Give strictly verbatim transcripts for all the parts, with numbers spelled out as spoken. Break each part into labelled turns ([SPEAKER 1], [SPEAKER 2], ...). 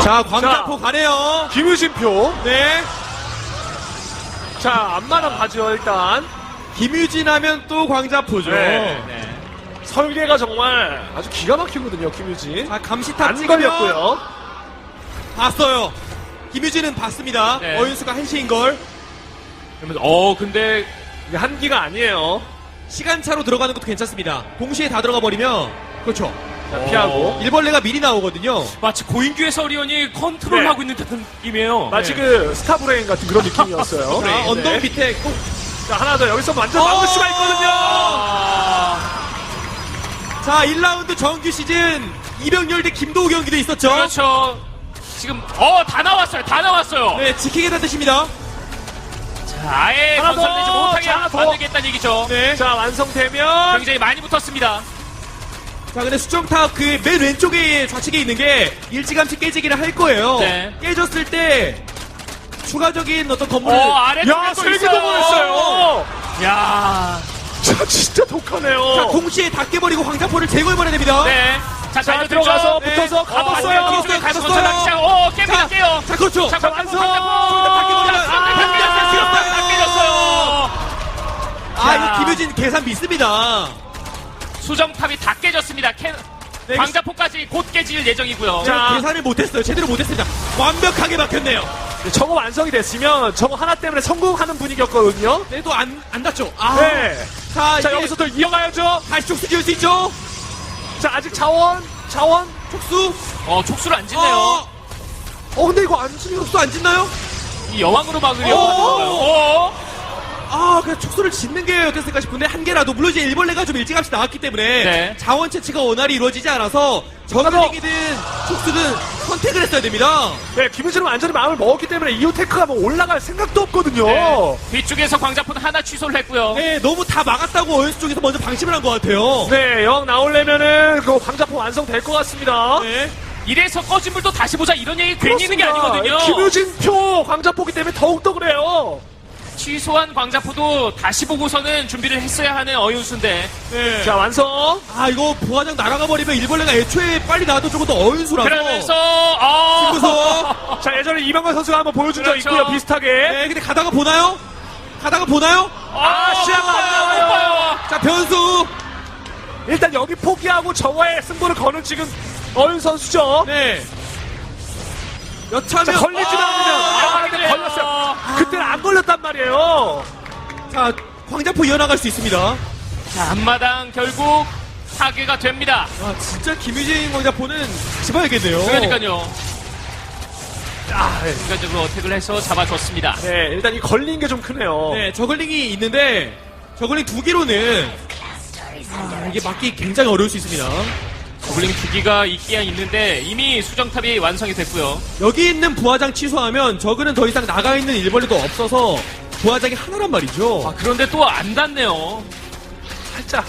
[SPEAKER 1] 자, 광자포 가네요.
[SPEAKER 2] 김유진표.
[SPEAKER 1] 네.
[SPEAKER 2] 자, 앞마당 가죠, 일단.
[SPEAKER 1] 김유진 하면 또 광자포죠.
[SPEAKER 2] 네.
[SPEAKER 3] 네.
[SPEAKER 2] 설계가 정말 아주 기가 막히거든요, 김유진.
[SPEAKER 1] 자, 감시탑
[SPEAKER 2] 안
[SPEAKER 1] 찍으면
[SPEAKER 2] 걸렸고요.
[SPEAKER 1] 봤어요. 김유진은 봤습니다.
[SPEAKER 3] 네.
[SPEAKER 1] 어윤수가 한시인 걸.
[SPEAKER 3] 그러면서 어 근데
[SPEAKER 2] 이게 한기가 아니에요.
[SPEAKER 1] 시간차로 들어가는 것도 괜찮습니다. 동시에 다 들어가 버리면 그렇죠.
[SPEAKER 2] 자, 피하고.
[SPEAKER 1] 일벌레가 미리 나오거든요.
[SPEAKER 3] 마치 고인규의 서리온이 컨트롤하고
[SPEAKER 2] 네.
[SPEAKER 3] 있는 듯한 느낌이에요.
[SPEAKER 2] 마치
[SPEAKER 1] 네.
[SPEAKER 2] 그 스타브레인 같은 그런 느낌이었어요.
[SPEAKER 1] 자,
[SPEAKER 2] 네.
[SPEAKER 1] 언덕
[SPEAKER 2] 네.
[SPEAKER 1] 밑에 꼭.
[SPEAKER 2] 자, 하나 더 여기서 완전 막을 수가 있거든요.
[SPEAKER 3] 아,
[SPEAKER 1] 자, 일 라운드 정규 시즌 이병렬 대 김도우 경기도 있었죠.
[SPEAKER 3] 그렇죠. 지금 어 다 나왔어요. 다 나왔어요.
[SPEAKER 1] 네, 지키겠다 뜻입니다.
[SPEAKER 3] 자, 아예
[SPEAKER 2] 하나 더!
[SPEAKER 3] 건설되지 못하게
[SPEAKER 2] 자, 하나 더!
[SPEAKER 3] 만들겠다는 얘기죠.
[SPEAKER 1] 네.
[SPEAKER 2] 자, 완성되면.
[SPEAKER 3] 굉장히 많이 붙었습니다.
[SPEAKER 1] 자, 근데 수정탑 그 맨 왼쪽에 좌측에 있는 게 일찌감치 깨지기를 할 거예요.
[SPEAKER 3] 네.
[SPEAKER 1] 깨졌을 때 추가적인 어떤 건물을
[SPEAKER 3] 어 아래쪽에
[SPEAKER 2] 야,
[SPEAKER 3] 또
[SPEAKER 2] 설계도
[SPEAKER 3] 있어요.
[SPEAKER 2] 보냈어요.
[SPEAKER 3] 야,
[SPEAKER 2] 자, 진짜 독하네요.
[SPEAKER 1] 자, 동시에 다 깨버리고 황자포를 제거해버려야 됩니다.
[SPEAKER 3] 네. 자,
[SPEAKER 2] 자,
[SPEAKER 3] 잘
[SPEAKER 2] 들어가서
[SPEAKER 1] 네.
[SPEAKER 2] 붙어서
[SPEAKER 3] 어,
[SPEAKER 2] 가뒀어요.
[SPEAKER 3] 뒤쪽에
[SPEAKER 1] 가뒀어요.
[SPEAKER 3] 가서
[SPEAKER 1] 가뒀어요.
[SPEAKER 3] 건설하기 시작. 어, 깹니다,
[SPEAKER 1] 자,
[SPEAKER 3] 깨요.
[SPEAKER 1] 자, 그렇죠.
[SPEAKER 3] 자,
[SPEAKER 2] 완성!
[SPEAKER 3] 다
[SPEAKER 1] 깨버리면
[SPEAKER 3] 깨졌어요. 다 깨졌어요.
[SPEAKER 1] 아,
[SPEAKER 3] 자.
[SPEAKER 1] 이거 김유진 계산 믿습니다.
[SPEAKER 3] 수정탑이 다 깨졌습니다. 캐...
[SPEAKER 1] 네,
[SPEAKER 3] 광자포까지 곧 깨질 예정이고요.
[SPEAKER 2] 자.
[SPEAKER 1] 자, 계산을 못했어요. 제대로 못했습니다. 완벽하게 막혔네요.
[SPEAKER 2] 저거 완성이 됐으면 저거 하나 때문에 성공하는 분위기였거든요.
[SPEAKER 1] 그래도 안, 안 닿죠. 아.
[SPEAKER 2] 네.
[SPEAKER 1] 자,
[SPEAKER 2] 자,
[SPEAKER 1] 이제
[SPEAKER 2] 여기서 또 이어가야죠.
[SPEAKER 1] 다시 촉수 지을 수 있죠?
[SPEAKER 2] 자, 아직 자원, 자원.
[SPEAKER 1] 촉수?
[SPEAKER 3] 어, 촉수를 안 짓네요.
[SPEAKER 1] 어,
[SPEAKER 2] 어, 근데 이거 안 치면
[SPEAKER 1] 촉수 안 짓나요?
[SPEAKER 3] 이 여왕으로 막으려고
[SPEAKER 1] 어.
[SPEAKER 3] 하는 거예요. 어.
[SPEAKER 1] 아, 그냥 촉수를 짓는 게 어땠을까 싶은데, 한 개라도, 물론 이제 일벌레가 좀 일찌감치 나왔기 때문에,
[SPEAKER 3] 네.
[SPEAKER 1] 자원 채취가 원활히 이루어지지 않아서, 저글링이든 촉수든 선택을 했어야 됩니다.
[SPEAKER 2] 네, 김유진은 완전히 마음을 먹었기 때문에 이오테크가 뭐 올라갈 생각도 없거든요.
[SPEAKER 3] 네. 뒤쪽에서 광자포는 하나 취소를 했고요.
[SPEAKER 1] 네, 너무 다 막았다고 어윤수 쪽에서 먼저 방심을 한 것 같아요.
[SPEAKER 2] 네, 영 나오려면은 그 광자포 완성될 것 같습니다.
[SPEAKER 1] 네.
[SPEAKER 3] 이래서 꺼진 불도 다시 보자 이런 얘기 괜히 있는 게 아니거든요.
[SPEAKER 2] 김유진 표 광자포기 때문에 더욱더 그래요.
[SPEAKER 3] 취소한 광자포도 다시 보고서는 준비를 했어야 하는 어윤수인데.
[SPEAKER 1] 네.
[SPEAKER 2] 자, 완성.
[SPEAKER 1] 아, 이거 부화장 날아가 버리면 일벌레가 애초에 빨리 나와도 조금 더 어윤수라서.
[SPEAKER 3] 그러면서 어.
[SPEAKER 1] 그래서,
[SPEAKER 2] 자, 예전에 이병관 선수가 한번 보여준 적
[SPEAKER 3] 그렇죠.
[SPEAKER 2] 있고요, 비슷하게.
[SPEAKER 1] 네, 근데 가다가 보나요? 가다가 보나요?
[SPEAKER 2] 아, 시야가 안 나와요.
[SPEAKER 3] 나와요.
[SPEAKER 1] 자, 변수.
[SPEAKER 2] 일단 여기 포기하고 저거에 승부를 거는 지금 어윤 선수죠.
[SPEAKER 1] 네. 여차하면.
[SPEAKER 2] 자, 걸리지만 않으면. 아, 근데
[SPEAKER 3] 그래요.
[SPEAKER 2] 걸렸어요. 그때는 안 걸렸단 말이에요.
[SPEAKER 1] 자, 광자포 이어나갈 수 있습니다.
[SPEAKER 3] 자, 앞마당 결국 파괴가 됩니다.
[SPEAKER 1] 아, 진짜 김유진 광자포는 다시 봐야겠네요.
[SPEAKER 3] 그러니까요.
[SPEAKER 2] 아, 네.
[SPEAKER 3] 순간적으로 어택을 해서 잡아줬습니다.
[SPEAKER 2] 네, 일단 이 걸린 게 좀 크네요.
[SPEAKER 1] 네, 저글링이 있는데, 저글링 두 개로는, 아, 이게 막기 굉장히 어려울 수 있습니다.
[SPEAKER 3] 저글링 두 기가 있기야 있는데 이미 수정탑이 완성이 됐고요.
[SPEAKER 1] 여기 있는 부화장 취소하면, 저글은 더 이상 나가 있는 일벌레도 없어서, 부화장이 하나란 말이죠.
[SPEAKER 3] 아, 그런데 또 안 닿네요.
[SPEAKER 2] 살짝.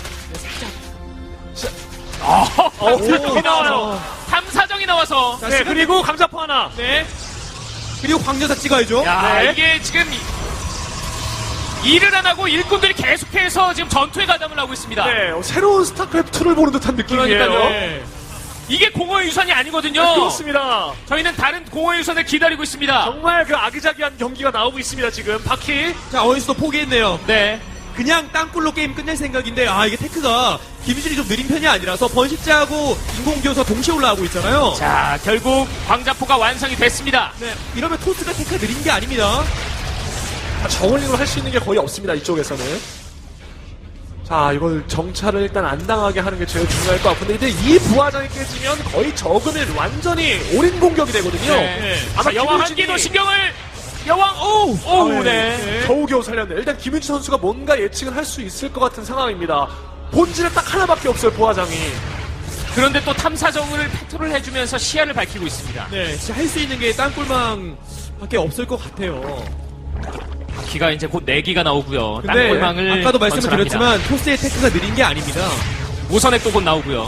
[SPEAKER 3] 아,
[SPEAKER 2] 어,
[SPEAKER 1] 오,
[SPEAKER 2] 나와요.
[SPEAKER 3] 탐사정이 나와서.
[SPEAKER 1] 자,
[SPEAKER 2] 네,
[SPEAKER 1] 시간-
[SPEAKER 2] 그리고 감자포 하나.
[SPEAKER 1] 네. 그리고 광전사 찍어야죠.
[SPEAKER 3] 야,
[SPEAKER 2] 네.
[SPEAKER 3] 이게 지금 이- 일을 안 하고 일꾼들이 계속해서 지금 전투에 가담을 하고 있습니다.
[SPEAKER 2] 네, 어, 새로운 스타크래프트를 보는 듯한 느낌이에요.
[SPEAKER 3] 그러니까요.
[SPEAKER 1] 네.
[SPEAKER 3] 이게 공허의 유산이 아니거든요.
[SPEAKER 2] 네, 그렇습니다.
[SPEAKER 3] 저희는 다른 공허의 유산을 기다리고 있습니다.
[SPEAKER 2] 정말 그 아기자기한 경기가 나오고 있습니다, 지금. 바퀴.
[SPEAKER 1] 자, 어윤수도 포기했네요.
[SPEAKER 3] 네.
[SPEAKER 1] 그냥 땅굴로 게임 끝낼 생각인데, 아, 이게 테크가, 김유진이 좀 느린 편이 아니라서, 번식자하고 인공기어서 동시에 올라가고 있잖아요.
[SPEAKER 3] 자, 결국 광자포가 완성이 됐습니다.
[SPEAKER 1] 네, 이러면 토스가 테크가 느린 게 아닙니다.
[SPEAKER 2] 아, 저울링으로 할 수 있는 게 거의 없습니다, 이쪽에서는. 자, 이걸 정찰을 일단 안 당하게 하는 게 제일 중요할 것 같은데, 이제 이 부화장이 깨지면 거의 적으면 완전히 올인 공격이 되거든요.
[SPEAKER 3] 네.
[SPEAKER 2] 아마
[SPEAKER 3] 자, 여왕
[SPEAKER 2] 김유진이-
[SPEAKER 3] 한기도 신경을 여왕 오!
[SPEAKER 2] 오,
[SPEAKER 3] 오,
[SPEAKER 2] 네.
[SPEAKER 3] 네.
[SPEAKER 2] 겨우겨우 살렸네. 일단 김윤지 선수가 뭔가 예측을 할 수 있을 것 같은 상황입니다. 본질은 딱 하나밖에 없어요, 부화장이.
[SPEAKER 3] 그런데 또 탐사정을 패트롤 해주면서 시야를 밝히고 있습니다.
[SPEAKER 1] 네, 진짜 할 수 있는 게 땅굴망 밖에 없을 것 같아요.
[SPEAKER 3] 기가 이제 곧 네 기가 나오고요.
[SPEAKER 1] 근데
[SPEAKER 3] 땅굴망을
[SPEAKER 1] 아까도 말씀을
[SPEAKER 3] 건설합니다.
[SPEAKER 1] 드렸지만 토스의 테크가 느린 게 아닙니다.
[SPEAKER 3] 모선액도 곧 나오고요.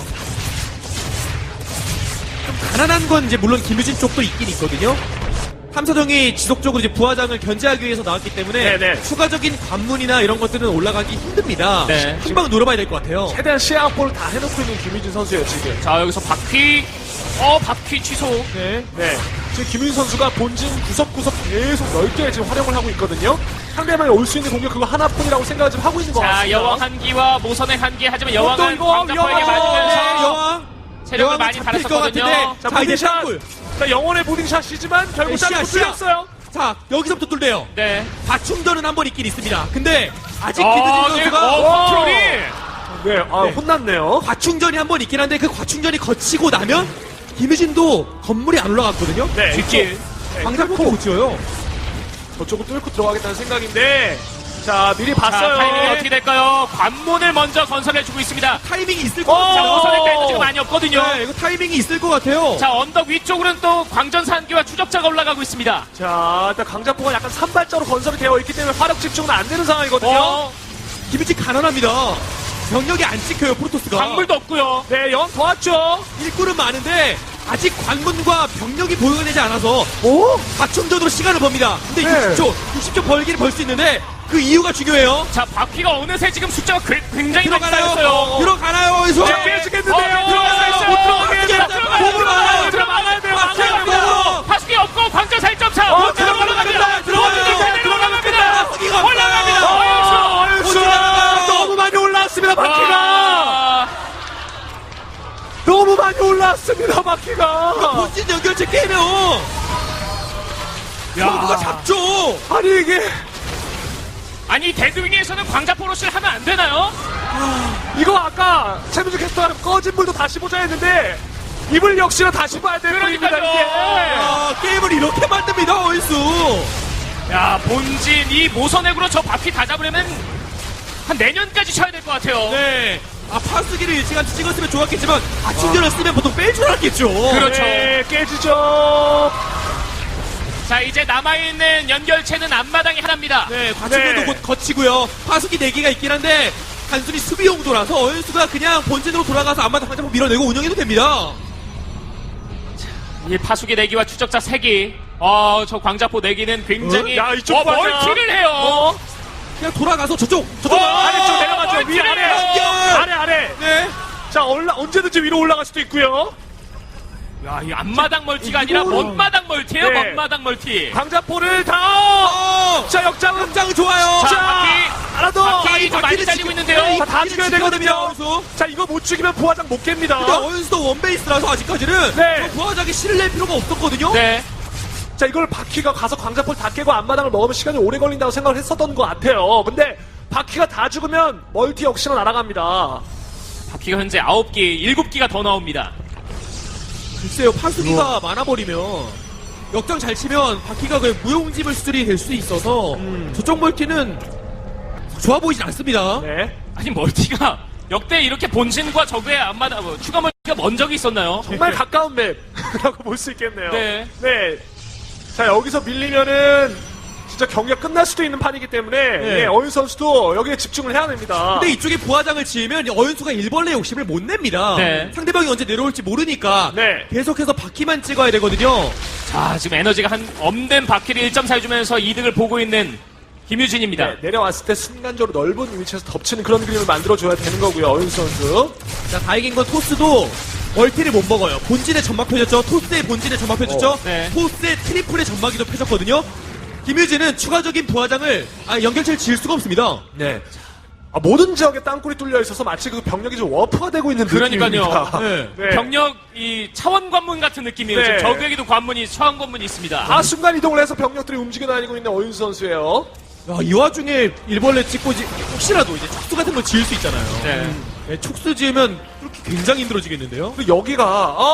[SPEAKER 1] 좀 가난한 건 이제 물론 김유진 쪽도 있긴 있거든요. 탐사정이 지속적으로 이제 부화장을 견제하기 위해서 나왔기 때문에
[SPEAKER 2] 네네.
[SPEAKER 1] 추가적인 관문이나 이런 것들은 올라가기 힘듭니다.
[SPEAKER 3] 네.
[SPEAKER 1] 한 방 노려봐야 될 것 같아요.
[SPEAKER 2] 최대한 시야 확보를 다 해놓고 있는 김유진 선수예요, 지금.
[SPEAKER 3] 자, 여기서 바퀴 어, 바퀴 취소.
[SPEAKER 1] 네.
[SPEAKER 2] 네. 지금 김윤 선수가 본진 구석구석 계속 넓게 지금 활용을 하고 있거든요. 상대방이 올 수 있는 공격 그거 하나뿐이라고 생각을 좀 하고 있는 것
[SPEAKER 3] 자,
[SPEAKER 2] 같습니다.
[SPEAKER 3] 여왕 한기와 모선의 한기. 하지만
[SPEAKER 2] 또
[SPEAKER 3] 여왕은
[SPEAKER 2] 이거
[SPEAKER 3] 광자포에게
[SPEAKER 2] 여왕!
[SPEAKER 3] 맞으면서
[SPEAKER 1] 네, 여왕.
[SPEAKER 3] 체력을
[SPEAKER 1] 여왕은
[SPEAKER 3] 많이
[SPEAKER 1] 잡힐 것
[SPEAKER 3] 달았었거든요.
[SPEAKER 1] 같은데.
[SPEAKER 2] 자,
[SPEAKER 1] 자, 이제
[SPEAKER 2] 무빙샷.
[SPEAKER 1] 땅굴.
[SPEAKER 2] 자, 영혼의 무빙샷이지만 결국
[SPEAKER 1] 네,
[SPEAKER 2] 잘
[SPEAKER 1] 시야,
[SPEAKER 2] 못
[SPEAKER 1] 시야.
[SPEAKER 2] 뚫렸어요.
[SPEAKER 1] 자, 여기서부터 뚫려요.
[SPEAKER 3] 네.
[SPEAKER 1] 과충전은 한 번 있긴 있습니다. 근데 아직
[SPEAKER 3] 어,
[SPEAKER 1] 김유진
[SPEAKER 3] 네,
[SPEAKER 1] 선수가
[SPEAKER 3] 어, 컨트롤이.
[SPEAKER 2] 네, 아,
[SPEAKER 1] 네.
[SPEAKER 2] 혼났네요.
[SPEAKER 1] 과충전이 한 번 있긴 한데 그 과충전이 거치고 나면 김유진도 건물이 안 올라갔거든요.
[SPEAKER 2] 네,
[SPEAKER 3] 뒷길.
[SPEAKER 1] 광장포도 못 지어요.
[SPEAKER 2] 저쪽은 뚫고 들어가겠다는 생각인데, 자, 미리
[SPEAKER 3] 자,
[SPEAKER 2] 봤어요.
[SPEAKER 3] 타이밍이 어떻게 될까요? 관문을 먼저 건설해주고 있습니다.
[SPEAKER 1] 타이밍이 있을 것
[SPEAKER 2] 어!
[SPEAKER 3] 자,
[SPEAKER 1] 같아요.
[SPEAKER 3] 모선의 에너지가 많이 없거든요.
[SPEAKER 1] 네, 이거 타이밍이 있을 것 같아요.
[SPEAKER 3] 자, 언덕 위쪽으로는 또 광전산기와 추적자가 올라가고 있습니다.
[SPEAKER 2] 자, 일단 강자포가 약간 산발자로 건설이 되어 있기 때문에 화력 집중은 안 되는 상황이거든요.
[SPEAKER 3] 어,
[SPEAKER 1] 김유진 가난합니다. 병력이 안 찍혀요, 프로토스가.
[SPEAKER 3] 광물도 없고요.
[SPEAKER 2] 네, 영 더 왔죠.
[SPEAKER 1] 일꾼은 많은데 아직 관문과 병력이 보유가 되지 않아서
[SPEAKER 2] 오?
[SPEAKER 1] 과충전으로 시간을 법니다. 근데
[SPEAKER 2] 네.
[SPEAKER 1] 육십 초, 육십 초 벌기는 벌 수 있는데 그 이유가 중요해요.
[SPEAKER 3] 자, 바퀴가 어느새 지금 숫자가 그- 굉장히 많이
[SPEAKER 1] 들어가나요?
[SPEAKER 3] 쌓였어요.
[SPEAKER 1] 들어가나요? 어디서?
[SPEAKER 2] 자, 깨지겠는데요.
[SPEAKER 3] 어, 들어가요.
[SPEAKER 2] 못 들어가게
[SPEAKER 1] 못
[SPEAKER 2] 해야
[SPEAKER 1] 들어가요.
[SPEAKER 2] 못
[SPEAKER 1] 못 들어가요.
[SPEAKER 2] 들어가요. 들어가야 돼요. 안
[SPEAKER 1] 들어가요.
[SPEAKER 2] 돼요.
[SPEAKER 3] 파수기 없고 광전 사 점 차.
[SPEAKER 2] 어,
[SPEAKER 3] 들어갑니다.
[SPEAKER 2] 들어갑니다.
[SPEAKER 3] 들어갑니다. 들어갑니다.
[SPEAKER 1] 파수기가
[SPEAKER 3] 올라갑니다.
[SPEAKER 2] 어,
[SPEAKER 3] 어윤수.
[SPEAKER 2] 어윤수. 너무 많이 올라왔습니다, 바퀴가.
[SPEAKER 3] 아,
[SPEAKER 2] 너무 많이 올라왔습니다, 바퀴가.
[SPEAKER 1] 본진 연결체 깨면 누가 잡죠.
[SPEAKER 2] 아니, 이게.
[SPEAKER 3] 아니 데드윙에서는 광자포로시를 하면 안 되나요?
[SPEAKER 2] 이거 아까 최민수 캐스터는 꺼진 불도 다시 보자 했는데 이불 역시나 다시 봐야 될 뿐입니다.
[SPEAKER 3] 그러니까요.
[SPEAKER 2] 이게.
[SPEAKER 1] 아, 게임을 이렇게 만듭니다, 어이수.
[SPEAKER 3] 야, 본진 이 모선액으로 저 바퀴 다 잡으려면 한 내년까지 쳐야 될 것 같아요.
[SPEAKER 1] 네. 아, 파수기를 일찌감치 찍었으면 좋았겠지만 과충전을 쓰면 보통 뺄 줄 알았겠죠.
[SPEAKER 3] 그렇죠.
[SPEAKER 2] 네, 깨지죠.
[SPEAKER 3] 자, 이제 남아있는 연결체는 앞마당이 하나입니다.
[SPEAKER 1] 네, 과충전도
[SPEAKER 2] 네.
[SPEAKER 1] 곧 거치고요. 파수기 네 개가 있긴 한데 단순히 수비 용도라서 어윤수가 그냥 본진으로 돌아가서 안마당 한장 밀어내고 운영해도 됩니다.
[SPEAKER 3] 이 파수기 내기와 추적자 세 기. 어, 저 광자포 내기는 굉장히
[SPEAKER 2] 어? 야, 이쪽
[SPEAKER 3] 어,
[SPEAKER 2] 봐라.
[SPEAKER 3] 멀티를 해요.
[SPEAKER 2] 어?
[SPEAKER 1] 그냥 돌아가서 저쪽, 저쪽.
[SPEAKER 3] 어,
[SPEAKER 2] 아래쪽 내려가죠. 위
[SPEAKER 3] 멀티를
[SPEAKER 2] 아래.
[SPEAKER 3] 해요.
[SPEAKER 2] 아래 아래.
[SPEAKER 1] 네.
[SPEAKER 2] 자, 올라, 언제든지 위로 올라갈 수도 있고요.
[SPEAKER 3] 야, 이 앞마당 멀티가 아니라
[SPEAKER 2] 이거는-
[SPEAKER 3] 먼마당 멀티예요.
[SPEAKER 2] 네.
[SPEAKER 3] 먼마당 멀티.
[SPEAKER 2] 강자포를 다.
[SPEAKER 1] 어!
[SPEAKER 2] 자, 역장은.
[SPEAKER 1] 역장 좋아요.
[SPEAKER 3] 자,
[SPEAKER 2] 자,
[SPEAKER 3] 바퀴.
[SPEAKER 2] 하나 더.
[SPEAKER 3] 바퀴 좀 많이
[SPEAKER 1] 바퀴를
[SPEAKER 3] 달리고
[SPEAKER 1] 지금-
[SPEAKER 3] 있는데요.
[SPEAKER 1] 네,
[SPEAKER 2] 자, 다
[SPEAKER 1] 바퀴를
[SPEAKER 2] 죽여야
[SPEAKER 1] 지켜야
[SPEAKER 2] 되거든요.
[SPEAKER 1] 됩니다, 어윤수.
[SPEAKER 2] 자, 이거 못 죽이면 부화장 못 깹니다.
[SPEAKER 1] 근데 어윤수도 원베이스라서 아직까지는
[SPEAKER 2] 네.
[SPEAKER 1] 저 부하장이 실을 낼 필요가 없었거든요.
[SPEAKER 3] 네.
[SPEAKER 2] 자, 이걸 바퀴가 가서 광자포를 다 깨고 앞마당을 먹으면 시간이 오래 걸린다고 생각을 했었던 것 같아요. 근데 바퀴가 다 죽으면 멀티 역시나 날아갑니다.
[SPEAKER 3] 바퀴가 현재 아홉 기, 일곱 기가 더 나옵니다.
[SPEAKER 1] 글쎄요, 파수기가 많아버리면 역장 잘 치면 바퀴가 그 무용지물 수준이 될 수 있어서 저쪽 멀티는 좋아 보이진 않습니다.
[SPEAKER 2] 네.
[SPEAKER 3] 아니 멀티가 역대 이렇게 본진과 적의 앞마당 뭐, 추가 멀티가 먼 적이 있었나요?
[SPEAKER 2] 정말 가까운 맵이라고 볼 수 있겠네요.
[SPEAKER 3] 네.
[SPEAKER 2] 네. 자, 여기서 밀리면은 진짜 경기가 끝날 수도 있는 판이기 때문에
[SPEAKER 1] 네.
[SPEAKER 2] 예, 어윤 선수도 여기에 집중을 해야 됩니다.
[SPEAKER 1] 근데 이쪽에 부하장을 지으면 어윤수가 일벌레 욕심을 못 냅니다.
[SPEAKER 3] 네.
[SPEAKER 1] 상대방이 언제 내려올지 모르니까
[SPEAKER 2] 네.
[SPEAKER 1] 계속해서 바퀴만 찍어야 되거든요.
[SPEAKER 3] 자, 지금 에너지가 한 없는 바퀴를 일 점 사 해주면서 이득을 보고 있는 김유진입니다.
[SPEAKER 2] 네, 내려왔을 때 순간적으로 넓은 위치에서 덮치는 그런 그림을 만들어줘야 되는 거고요, 어윤 선수.
[SPEAKER 1] 자, 다행인 건 토스도 멀티를 못 먹어요. 본진의 점막 펴졌죠. 토스의 본진의 점막 펴졌죠.
[SPEAKER 2] 어,
[SPEAKER 3] 네.
[SPEAKER 1] 토스의 트리플의 점막이 좀 펴졌거든요. 김유진은 추가적인 부하장을 아, 연결체를 지을 수가 없습니다.
[SPEAKER 2] 네. 아, 모든 지역에 땅굴이 뚫려 있어서 마치 그 병력이 좀 워프가 되고 있는
[SPEAKER 3] 그러니까요.
[SPEAKER 2] 느낌입니다.
[SPEAKER 1] 네.
[SPEAKER 2] 네.
[SPEAKER 3] 병력 이 차원 관문 같은 느낌이에요.
[SPEAKER 2] 네.
[SPEAKER 3] 지금 적에게도 관문이 차원 관문이 있습니다.
[SPEAKER 2] 다 순간 이동을 해서 병력들이 움직여 다니고 있는 어윤 선수예요.
[SPEAKER 1] 야, 이 와중에 일벌레 찍고 지- 혹시라도 이제 촉수 같은 거 지을 수 있잖아요.
[SPEAKER 3] 네.
[SPEAKER 1] 네, 촉수 지으면 그렇게 굉장히 힘들어지겠는데요.
[SPEAKER 2] 그리고 여기가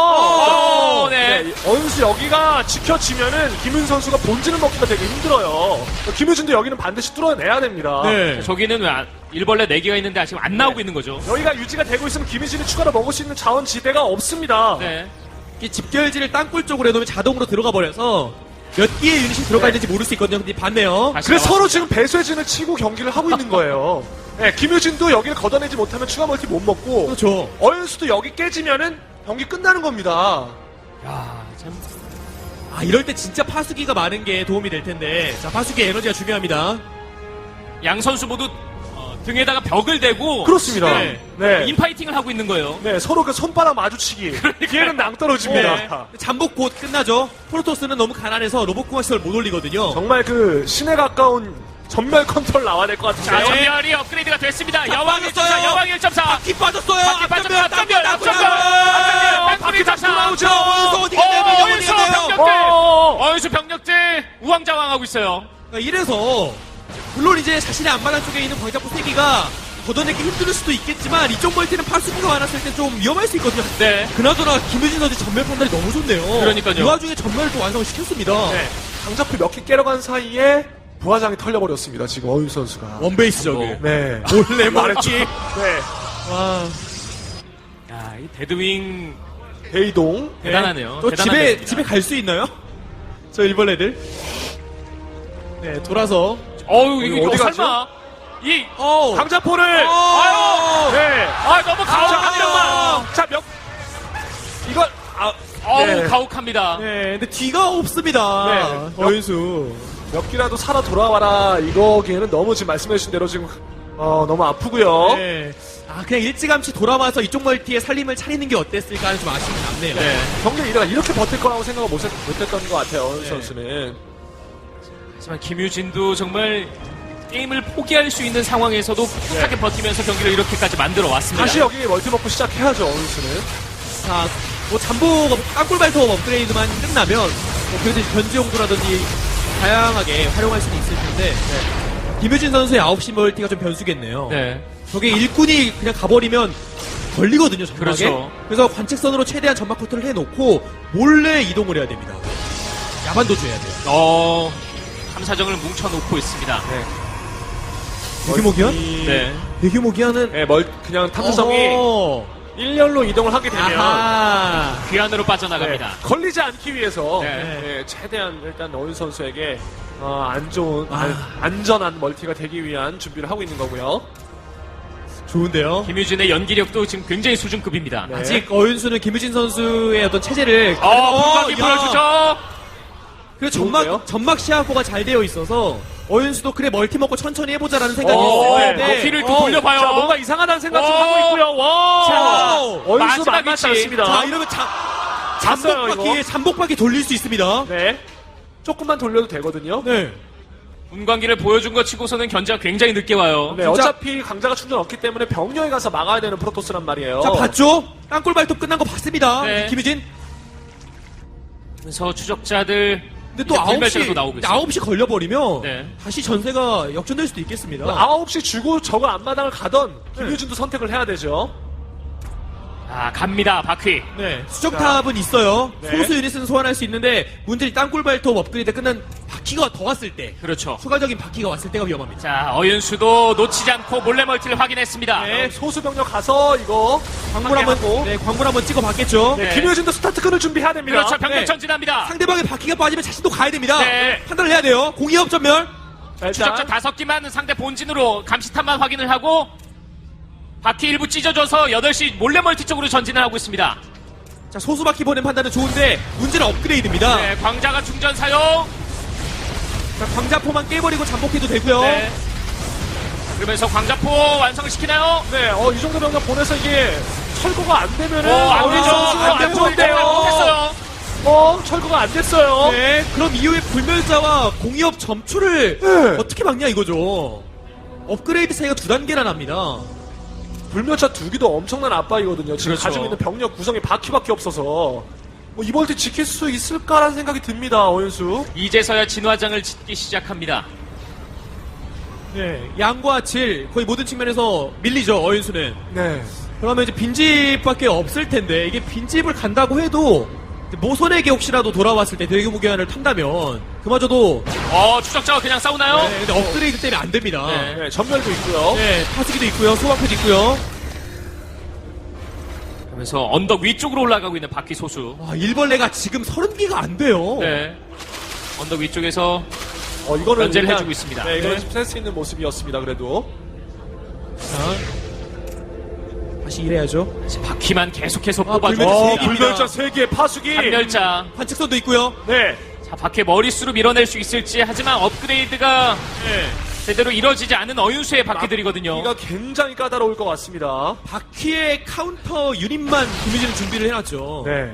[SPEAKER 3] 어,
[SPEAKER 2] 어,
[SPEAKER 3] 네.
[SPEAKER 2] 네. 어윤수 여기가 지켜지면은 김윤 선수가 본진을 먹기가 되게 힘들어요. 김유진도 여기는 반드시 뚫어내야 됩니다.
[SPEAKER 1] 네.
[SPEAKER 3] 저기는 왜 안- 일벌레 네 개가 있는데 지금 안 나오고 있는 거죠.
[SPEAKER 2] 여기가 유지가 되고 있으면 김유진이 추가로 먹을 수 있는 자원 지대가 없습니다.
[SPEAKER 3] 네.
[SPEAKER 1] 이 집결지를 땅굴 쪽으로 해놓으면 자동으로 들어가 버려서 몇 개의 유닛이 들어가
[SPEAKER 2] 네.
[SPEAKER 1] 있는지 모를 수 있거든요. 근데 봤네요.
[SPEAKER 3] 다시
[SPEAKER 2] 그래서
[SPEAKER 3] 나왔습니다.
[SPEAKER 2] 서로 지금 배쇄진을 치고 경기를 하고 있는 거예요. 네, 김유진도 여기를 걷어내지 못하면 추가 멀티 못 먹고
[SPEAKER 1] 그렇죠.
[SPEAKER 2] 어윤수도 여기 깨지면은 경기 끝나는 겁니다.
[SPEAKER 3] 야, 참.
[SPEAKER 1] 아, 이럴 때 진짜 파수기가 많은 게 도움이 될 텐데. 자, 파수기 에너지가 중요합니다.
[SPEAKER 3] 양 선수 모두 어, 등에다가 벽을 대고
[SPEAKER 2] 그렇습니다.
[SPEAKER 3] 네.
[SPEAKER 2] 네.
[SPEAKER 3] 인파이팅을 하고 있는 거예요.
[SPEAKER 2] 네, 서로 그 손바닥 마주치기. 뒤에는 낭떨어집니다.
[SPEAKER 3] 네.
[SPEAKER 1] 잠복 곧 끝나죠. 프로토스는 너무 가난해서 로봇공학 시설 못 올리거든요.
[SPEAKER 2] 정말 그 신에 가까운 전멸 컨트롤 나와야 될 것
[SPEAKER 3] 자,
[SPEAKER 2] 같은데요.
[SPEAKER 3] 전멸이 업그레이드가 됐습니다.
[SPEAKER 1] 자,
[SPEAKER 3] 여왕 일 점 사,
[SPEAKER 1] 빠졌어요.
[SPEAKER 3] 여왕 일 점 사.
[SPEAKER 1] 바퀴 빠졌어요.
[SPEAKER 3] 바퀴 빠졌어요. 앞전멸, 앞전멸,
[SPEAKER 2] 앞전멸.
[SPEAKER 3] 바퀴 다시 나오죠.
[SPEAKER 1] 어윤수 어디가 돼요?
[SPEAKER 3] 어윤수
[SPEAKER 1] 어디가 돼요?
[SPEAKER 3] 병력들.
[SPEAKER 2] 어.
[SPEAKER 3] 어윤수 병력들 우왕좌왕하고 있어요.
[SPEAKER 1] 그러니까 이래서 물론 이제 자신의 앞마당 쪽에 있는 광자포 세 기가 걷어내기 힘들 수도 있겠지만 이쪽 멀티는 파수기가 많았을 때 좀 위험할 수 있거든요.
[SPEAKER 3] 네.
[SPEAKER 1] 그나저나 김유진 선수 전멸 판단이 너무 좋네요.
[SPEAKER 3] 그러니까요.
[SPEAKER 1] 이 와중에 전멸을 또 완성시켰습니다.
[SPEAKER 2] 네. 강자표 몇 개 깨러간 사이에 부화장이 털려버렸습니다. 지금 어윤 선수가.
[SPEAKER 1] 원베이스 저기.
[SPEAKER 3] 어.
[SPEAKER 2] 네.
[SPEAKER 1] 몰래
[SPEAKER 2] 말했죠.
[SPEAKER 1] 말했지.
[SPEAKER 2] 네.
[SPEAKER 1] 와.
[SPEAKER 3] 야, 이 데드윙
[SPEAKER 2] 대이동.
[SPEAKER 3] 대단하네요.
[SPEAKER 1] 또
[SPEAKER 3] 대단한
[SPEAKER 1] 집에
[SPEAKER 3] 데드입니다.
[SPEAKER 1] 집에 갈 수 있나요? 저 일벌레들. 네, 돌아서.
[SPEAKER 3] 어우, 이거,
[SPEAKER 2] 어디
[SPEAKER 3] 이거
[SPEAKER 2] 가죠?
[SPEAKER 3] 설마 이
[SPEAKER 1] 어.
[SPEAKER 2] 강자포를.
[SPEAKER 1] 아유.
[SPEAKER 2] 네.
[SPEAKER 3] 아, 너무
[SPEAKER 2] 자,
[SPEAKER 3] 가혹합니다.
[SPEAKER 2] 한 명만. 자, 몇. 이걸. 아.
[SPEAKER 3] 어우,
[SPEAKER 2] 네.
[SPEAKER 3] 가혹합니다.
[SPEAKER 1] 네, 근데 뒤가 없습니다.
[SPEAKER 2] 네.
[SPEAKER 1] 어윤수.
[SPEAKER 2] 몇 기라도 살아 돌아와라. 이거기에는 너무 지금 말씀해주신 대로 지금, 어, 너무 아프고요.
[SPEAKER 1] 네. 아, 그냥 일찌감치 돌아와서 이쪽 멀티에 살림을 차리는 게 어땠을까 하는 좀 아쉬움이 남네요.
[SPEAKER 3] 네.
[SPEAKER 2] 경기 이래가 이렇게 버틸 거라고 생각을 못, 했, 못했던 것 같아요. 어윤
[SPEAKER 1] 네.
[SPEAKER 2] 선수는.
[SPEAKER 3] 하지만 김유진도 정말 게임을 포기할 수 있는 상황에서도 꿋꿋하게 버티면서 경기를 이렇게까지 만들어 왔습니다.
[SPEAKER 2] 다시 여기 멀티버프 시작해야죠, 어윤 씨는.
[SPEAKER 1] 자, 뭐 잠복, 땅굴발톱 업그레이드만 끝나면 뭐 그래도 견지용도라든지 다양하게 활용할 수는 있을 텐데 네. 김유진 선수의 아홉 시 멀티가 좀 변수겠네요.
[SPEAKER 3] 네.
[SPEAKER 1] 저게 일꾼이 그냥 가버리면 걸리거든요, 전막에.
[SPEAKER 3] 그렇죠.
[SPEAKER 1] 그래서 관측선으로 최대한 전막 커트를 해놓고 몰래 이동을 해야 됩니다. 야반도주 해야 돼요.
[SPEAKER 3] 어, 탐사정을 뭉쳐놓고 있습니다.
[SPEAKER 2] 네.
[SPEAKER 1] 대규모 기한?
[SPEAKER 3] 네.
[SPEAKER 1] 대규모 기한은
[SPEAKER 2] 네, 멀, 그냥 탐사정이
[SPEAKER 1] 어허.
[SPEAKER 2] 일 년로 이동을 하게 되면.
[SPEAKER 1] 아하.
[SPEAKER 3] 귀환으로
[SPEAKER 2] 네,
[SPEAKER 3] 빠져나갑니다.
[SPEAKER 2] 걸리지 않기 위해서
[SPEAKER 3] 네.
[SPEAKER 2] 네, 최대한 일단 어윤 선수에게 어, 안 좋은
[SPEAKER 1] 아.
[SPEAKER 2] 안, 안전한 멀티가 되기 위한 준비를 하고 있는 거고요.
[SPEAKER 1] 좋은데요?
[SPEAKER 3] 김유진의 연기력도 지금 굉장히 수준급입니다.
[SPEAKER 2] 네.
[SPEAKER 1] 아직 어윤수는 김유진 선수의 어떤 체제를
[SPEAKER 3] 어, 분광기
[SPEAKER 1] 야.
[SPEAKER 3] 보여주죠.
[SPEAKER 1] 그리고
[SPEAKER 2] 좋은데요?
[SPEAKER 1] 점막 점막 시야포가 잘 되어 있어서 어윤수도 그래 멀티 먹고 천천히 해보자라는 생각이
[SPEAKER 3] 어,
[SPEAKER 1] 있어요.
[SPEAKER 3] 네. 바퀴를 또 돌려봐요.
[SPEAKER 2] 자, 뭔가 이상하다는 생각 좀
[SPEAKER 3] 어.
[SPEAKER 2] 하고 있고요. 와!
[SPEAKER 1] 자,
[SPEAKER 2] 어윤수
[SPEAKER 3] 마지막
[SPEAKER 2] 만만치
[SPEAKER 3] 위치.
[SPEAKER 2] 않습니다.
[SPEAKER 1] 자 이러면 잠
[SPEAKER 2] 잤어요,
[SPEAKER 1] 잠복바퀴
[SPEAKER 2] 이거.
[SPEAKER 1] 잠복바퀴 돌릴 수 있습니다.
[SPEAKER 2] 네. 조금만 돌려도 되거든요.
[SPEAKER 1] 네.
[SPEAKER 3] 분광기를 보여준 것 치고서는 견제가 굉장히 늦게 와요.
[SPEAKER 2] 네,
[SPEAKER 1] 진짜-
[SPEAKER 2] 어차피 강자가 충전 없기 때문에 병력에 가서 막아야 되는 프로토스란 말이에요.
[SPEAKER 1] 자 봤죠? 땅굴 발톱 끝난 거 봤습니다.
[SPEAKER 3] 네.
[SPEAKER 1] 김유진.
[SPEAKER 3] 그래서 추적자들
[SPEAKER 1] 근데 또
[SPEAKER 3] 이제
[SPEAKER 1] 아홉 시
[SPEAKER 3] 불멸자가 또 나오고 있어요.
[SPEAKER 1] 아홉 시 걸려버리면
[SPEAKER 3] 네.
[SPEAKER 1] 다시 전세가 역전될 수도 있겠습니다.
[SPEAKER 2] 아홉 시 주고 저거 앞마당을 가던 김유진도 선택을 해야 되죠.
[SPEAKER 3] 아, 갑니다. 바퀴.
[SPEAKER 1] 네. 수정탑은 있어요.
[SPEAKER 2] 네.
[SPEAKER 1] 소수 유닛은 소환할 수 있는데 문제는 땅굴 발톱 업그레이드 끝난 바퀴가 더 왔을 때
[SPEAKER 3] 그렇죠.
[SPEAKER 1] 추가적인 바퀴가 왔을 때가 위험합니다.
[SPEAKER 3] 자, 어윤수도 놓치지 않고 몰래 멀티를 확인했습니다.
[SPEAKER 1] 네.
[SPEAKER 2] 소수 병력 가서 이거
[SPEAKER 1] 광물 한번
[SPEAKER 2] 확인하고.
[SPEAKER 1] 네, 광물 한번 찍어 봤겠죠.
[SPEAKER 2] 네,
[SPEAKER 3] 네.
[SPEAKER 2] 김효진도 스타트 끈을 준비해야 됩니다.
[SPEAKER 3] 그렇죠. 병력
[SPEAKER 1] 네.
[SPEAKER 3] 전진합니다.
[SPEAKER 1] 상대방의 바퀴가 빠지면 자신도 가야 됩니다.
[SPEAKER 3] 네.
[SPEAKER 1] 판단을 해야 돼요. 공이업 전멸.
[SPEAKER 2] 자, 일단
[SPEAKER 3] 추적자 다섯 기만 상대 본진으로 감시탑만 확인을 하고 바퀴 일부 찢어줘서 여덟 시 몰래 멀티 쪽으로 전진을 하고 있습니다.
[SPEAKER 1] 자, 소수 바퀴 보낸 판단은 좋은데 문제는 업그레이드입니다.
[SPEAKER 3] 네, 광자가 충전 사용.
[SPEAKER 1] 자, 광자포만 깨버리고 잠복해도 되고요.
[SPEAKER 3] 네. 그러면서 광자포 완성을 시키나요?
[SPEAKER 2] 네, 어, 이 정도 병력 보내서 이게 철거가 안 되면은
[SPEAKER 3] 어, 안 되죠.
[SPEAKER 2] 선수
[SPEAKER 3] 안
[SPEAKER 2] 안
[SPEAKER 3] 되고
[SPEAKER 2] 좋은데요.
[SPEAKER 3] 못했어요.
[SPEAKER 2] 어, 철거가 안 됐어요.
[SPEAKER 1] 네, 그럼 이후에 불멸자와 공이업 점추를
[SPEAKER 2] 네.
[SPEAKER 1] 어떻게 막냐 이거죠. 업그레이드 차이가 두 단계나 납니다.
[SPEAKER 2] 불멸차 두 기도 엄청난 압박이거든요. 지금
[SPEAKER 3] 그렇죠.
[SPEAKER 2] 가지고 있는 병력 구성이 바퀴밖에 없어서 뭐 이번 때 지킬 수 있을까라는 생각이 듭니다. 어윤수.
[SPEAKER 3] 이제서야 진화장을 짓기 시작합니다.
[SPEAKER 1] 네, 양과 질 거의 모든 측면에서 밀리죠 어윤수는.
[SPEAKER 2] 네.
[SPEAKER 1] 그러면 이제 빈집밖에 없을 텐데 이게 빈집을 간다고 해도 모선에게 혹시라도 돌아왔을 때 대규모 교환을 탄다면 그마저도
[SPEAKER 3] 어, 추적자가 그냥 싸우나요?
[SPEAKER 1] 네, 근데 업그레이드 때문에 안 됩니다.
[SPEAKER 3] 네.
[SPEAKER 2] 네, 전멸도 있고요.
[SPEAKER 1] 네, 파수기도 있고요, 소방패도 있고요.
[SPEAKER 3] 그러면서 언덕 위쪽으로 올라가고 있는 바퀴 소수.
[SPEAKER 1] 와, 일벌레가 지금 서른 개가 안 돼요.
[SPEAKER 3] 네. 언덕 위쪽에서
[SPEAKER 2] 어, 이거는
[SPEAKER 3] 견제를
[SPEAKER 2] 일단-
[SPEAKER 3] 해주고 있습니다.
[SPEAKER 2] 네, 이거는
[SPEAKER 1] 네.
[SPEAKER 2] 좀 센스 있는 모습이었습니다. 그래도.
[SPEAKER 1] 자, 다시 일해야죠.
[SPEAKER 3] 이제 바퀴만 계속해서
[SPEAKER 1] 아,
[SPEAKER 3] 뽑아주고
[SPEAKER 1] 불멸자
[SPEAKER 2] 어,
[SPEAKER 1] 세 개입니다.
[SPEAKER 2] 불멸자 세 개 파수기.
[SPEAKER 3] 한멸자.
[SPEAKER 1] 관측선도 있고요.
[SPEAKER 2] 네.
[SPEAKER 3] 자, 바퀴 머릿수로 밀어낼 수 있을지 하지만 업그레이드가
[SPEAKER 1] 네.
[SPEAKER 3] 제대로 이뤄지지 않은 어윤수의 바퀴들이거든요.
[SPEAKER 2] 이가 굉장히 까다로울 것 같습니다.
[SPEAKER 1] 바퀴의 카운터 유닛만 김유진은 준비를 해놨죠.
[SPEAKER 2] 네.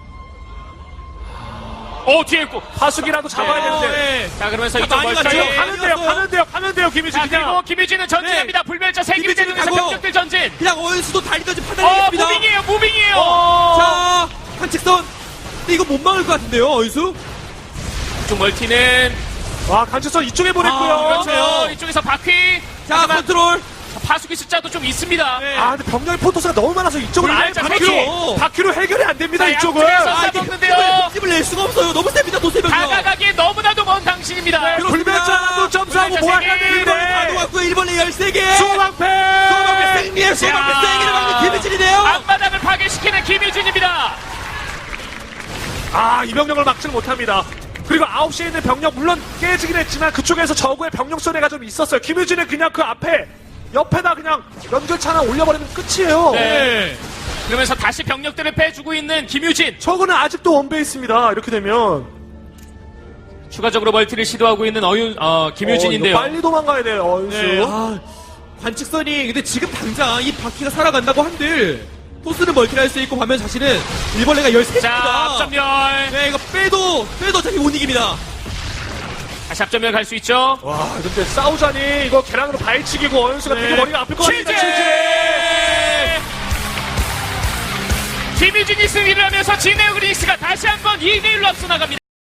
[SPEAKER 3] 어, 뒤에 있고.
[SPEAKER 2] 파수기라도 잡아야
[SPEAKER 3] 네.
[SPEAKER 2] 되는데.
[SPEAKER 1] 네.
[SPEAKER 3] 자, 그러면서
[SPEAKER 1] 자,
[SPEAKER 3] 이쪽
[SPEAKER 1] 많이
[SPEAKER 3] 멀쩡히.
[SPEAKER 1] 갔죠?
[SPEAKER 2] 가는데요, 가는데요, 가는데요, 김유진
[SPEAKER 3] 자, 그리고
[SPEAKER 2] 그냥.
[SPEAKER 3] 김유진은 전진합니다. 불멸자 세 개를
[SPEAKER 1] 김유진은
[SPEAKER 3] 때리면서
[SPEAKER 1] 가고.
[SPEAKER 3] 병력들 전진.
[SPEAKER 1] 그냥 어윤수도 달리든지
[SPEAKER 3] 어,
[SPEAKER 1] 판단하겠습니다.
[SPEAKER 3] 무빙이에요, 무빙이에요.
[SPEAKER 2] 어.
[SPEAKER 1] 자, 한측선. 근데 이거 못 막을 것 같은데요, 어윤수?
[SPEAKER 3] 이쪽 멀티는.
[SPEAKER 2] 와, 간첩선 이쪽에 보냈고요.
[SPEAKER 1] 아,
[SPEAKER 3] 그렇죠.
[SPEAKER 1] 그렇네요.
[SPEAKER 3] 이쪽에서 바퀴.
[SPEAKER 1] 자,
[SPEAKER 3] 하지만
[SPEAKER 1] 컨트롤.
[SPEAKER 3] 파수기 숫자도 좀 있습니다.
[SPEAKER 1] 네.
[SPEAKER 2] 아, 근데 병력의 포토스가 너무 많아서 이쪽은 아예
[SPEAKER 3] 불멸자
[SPEAKER 2] 바퀴로,
[SPEAKER 1] 세 개.
[SPEAKER 2] 바퀴로 해결이 안 됩니다,
[SPEAKER 3] 자,
[SPEAKER 2] 이쪽은.
[SPEAKER 3] 양쪽에서
[SPEAKER 1] 아, 이게
[SPEAKER 3] 먹는데요.
[SPEAKER 1] 힘을, 힘을 낼 수가 없어요. 너무 셉니다, 도세병이.
[SPEAKER 3] 다가가기에 너무나도 먼 당신입니다.
[SPEAKER 1] 그렇습니다.
[SPEAKER 2] 불멸자도 점수하고
[SPEAKER 3] 불멸자
[SPEAKER 2] 모아야
[SPEAKER 3] 세 개.
[SPEAKER 1] 일 번에 다
[SPEAKER 2] 되는데.
[SPEAKER 1] 놓았고요. 일 번에 열세 개.
[SPEAKER 2] 소방패!
[SPEAKER 1] 소방패 승리에 소방패
[SPEAKER 3] 야.
[SPEAKER 1] 세개를 막는 김유진이네요.
[SPEAKER 3] 앞마당을 파괴시키는 김유진입니다.
[SPEAKER 2] 아, 이 병력을 막지는 못합니다. 그리고 아홉 시에 있는 병력 물론 깨지긴 했지만 그쪽에서 저구의 병력 손해가 좀 있었어요. 김유진은 그냥 그 앞에 옆에다 그냥 연결차 하나 올려버리면 끝이에요.
[SPEAKER 3] 네. 그러면서 다시 병력들을 빼주고 있는 김유진.
[SPEAKER 2] 저거는 아직도 원베이스입니다. 이렇게 되면
[SPEAKER 3] 추가적으로 멀티를 시도하고 있는 어윤, 어, 김유진인데요.
[SPEAKER 2] 어, 이거 빨리 도망가야 돼요. 어윤수.
[SPEAKER 1] 네, 아, 관측선이 근데 지금 당장 이 바퀴가 살아간다고 한들 토스는 멀티를 할 수 있고 반면 자신은 일벌레가 열세 개입니다.
[SPEAKER 3] 자, 앞전멸.
[SPEAKER 1] 네, 이거 빼도 빼도 어차피 못 이깁니다.
[SPEAKER 3] 다시 앞전멸 갈 수 있죠.
[SPEAKER 2] 와, 근데 싸우자니 이거 계란으로 발치기고 어윤수가
[SPEAKER 1] 네.
[SPEAKER 2] 되게 머리가 아플 것 같습니다.
[SPEAKER 3] 취재! 김유진이 승리를 하면서 진에어그리스가 다시 한번 이 대 일로 앞서 나갑니다.